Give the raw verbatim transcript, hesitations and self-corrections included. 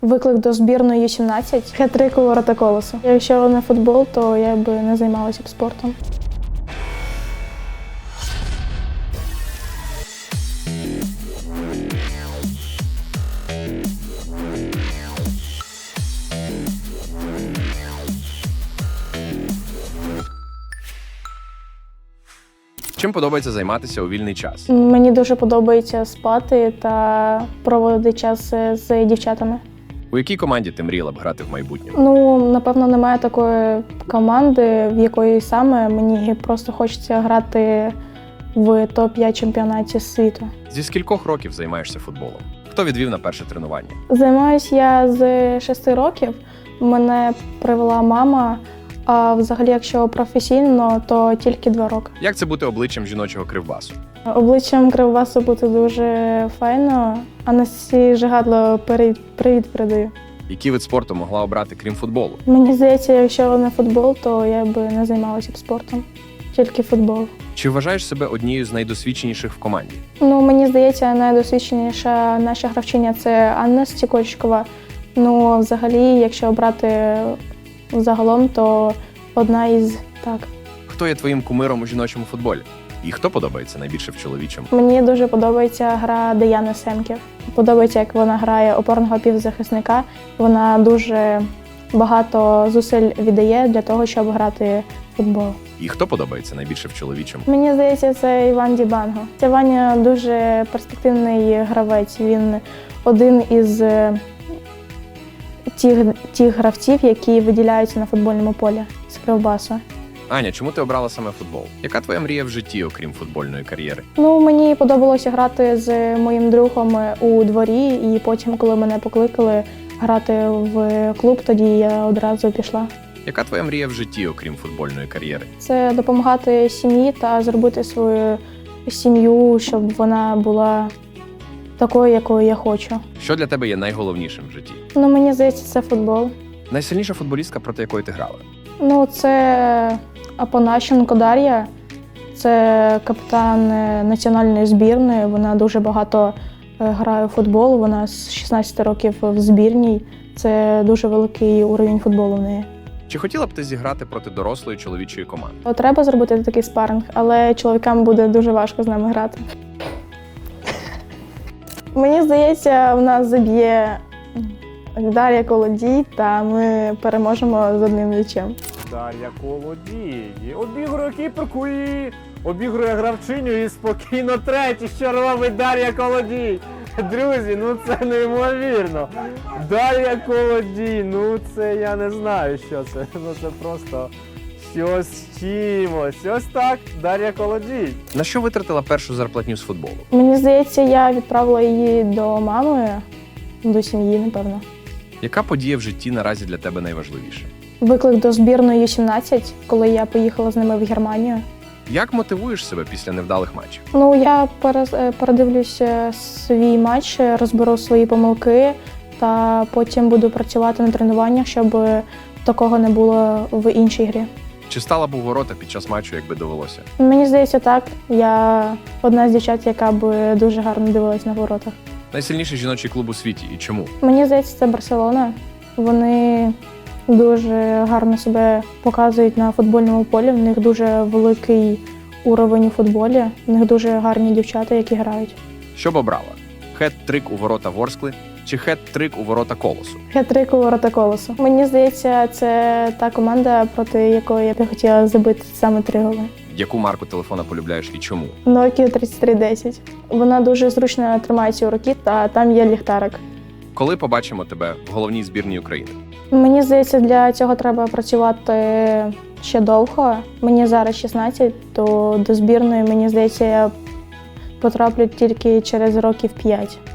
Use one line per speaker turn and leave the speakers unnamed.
Виклик до збірної Ю сімнадцять, хет-трик у ворота Колосу. Якщо не футбол, то я би не займалася б спортом.
Чим подобається займатися у вільний час?
Мені дуже подобається спати та проводити час з дівчатами.
У якій команді ти мріяла б грати в майбутньому?
Ну, напевно, немає такої команди, в якої саме мені просто хочеться грати в топ п'ять чемпіонаті світу.
Зі скількох років займаєшся футболом? Хто відвів на перше тренування?
Займаюся я з шести років. Мене привела мама, а взагалі, якщо професійно, то тільки два роки.
Як це бути обличчям жіночого кривбасу?
Обличчям Кривбасу бути дуже файно, а Насті Жигадло привіт передаю.
Який вид спорту могла обрати, крім футболу?
Мені здається, якщо не футбол, то я би не займалася б спортом. Тільки футбол.
Чи вважаєш себе однією з найдосвідченіших в команді?
Ну, мені здається, найдосвідченіша наша гравчиня – це Анна Стікольчикова. Ну, взагалі, якщо брати загалом, то одна із так.
Хто є твоїм кумиром у жіночому футболі? І хто подобається найбільше в чоловічому?
Мені дуже подобається гра Деяни Семків. Подобається, як вона грає опорного півзахисника. Вона дуже багато зусиль віддає для того, щоб грати в футбол.
І хто подобається найбільше в чоловічому?
Мені здається, це Іван Дібанго. Це Ваня дуже перспективний гравець. Він один із тих, тих гравців, які виділяються на футбольному полі з Кривбасу.
Аня, чому ти обрала саме футбол? Яка твоя мрія в житті, окрім футбольної кар'єри?
Ну, мені подобалося грати з моїм другом у дворі, і потім, коли мене покликали грати в клуб, тоді я одразу пішла.
Яка твоя мрія в житті, окрім футбольної кар'єри?
Це допомагати сім'ї та зробити свою сім'ю, щоб вона була такою, якою я хочу.
Що для тебе є найголовнішим в житті?
Ну, мені здається, це футбол.
Найсильніша футболістка, проти якої ти грала?
Ну, це Апанащенко Дар'я. Це капітан національної збірної. Вона дуже багато грає у футбол. Вона з шістнадцяти років в збірній. Це дуже великий уровень футболу в неї.
Чи хотіла б ти зіграти проти дорослої чоловічої команди?
Треба зробити такий спаринг, але чоловікам буде дуже важко з нами грати. Мені здається, в нас заб'є Дар'я Колодій, та ми переможемо з одним м'ячем.
Дар'я Колодій обігрує кіперку і обігрує гравчиню і спокійно третій, що робить Дар'я Колодій. Друзі, ну це неймовірно. Дар'я Колодій, ну це я не знаю, що це. Ну це просто щось з чимось. Ось так, Дар'я Колодій.
На що витратила першу зарплатню з футболу?
Мені здається, я відправила її до мами, до сім'ї, напевно.
Яка подія в житті наразі для тебе найважливіша?
Виклик до збірної Ю сімнадцять, коли я поїхала з ними в Германію.
Як мотивуєш себе після невдалих матчів?
Ну, я перез- передивлюся свій матч, розберу свої помилки та потім буду працювати на тренуваннях, щоб такого не було в іншій грі.
Чи стала б у ворота під час матчу, якби довелося?
Мені здається, так. Я одна з дівчат, яка б дуже гарно дивилась на воротах.
Найсильніший жіночий клуб у світі і чому?
Мені здається, це Барселона. Вони дуже гарно себе показують на футбольному полі. В них дуже великий уровень у футболі. В них дуже гарні дівчата, які грають.
Що б обрала? Хет-трик у ворота Ворскли чи хет-трик у ворота Колосу?
Хет-трик у ворота Колосу. Мені здається, це та команда, проти якої я б хотіла забити саме три голи.
Яку марку телефона полюбляєш і чому?
Nokia тридцять три десять. Вона дуже зручно тримається у руці, та там є ліхтарик.
Коли побачимо тебе в головній збірній України?
Мені здається, для цього треба працювати ще довго. Мені зараз шістнадцять, то до збірної, мені здається, я потраплю тільки через років п'ять.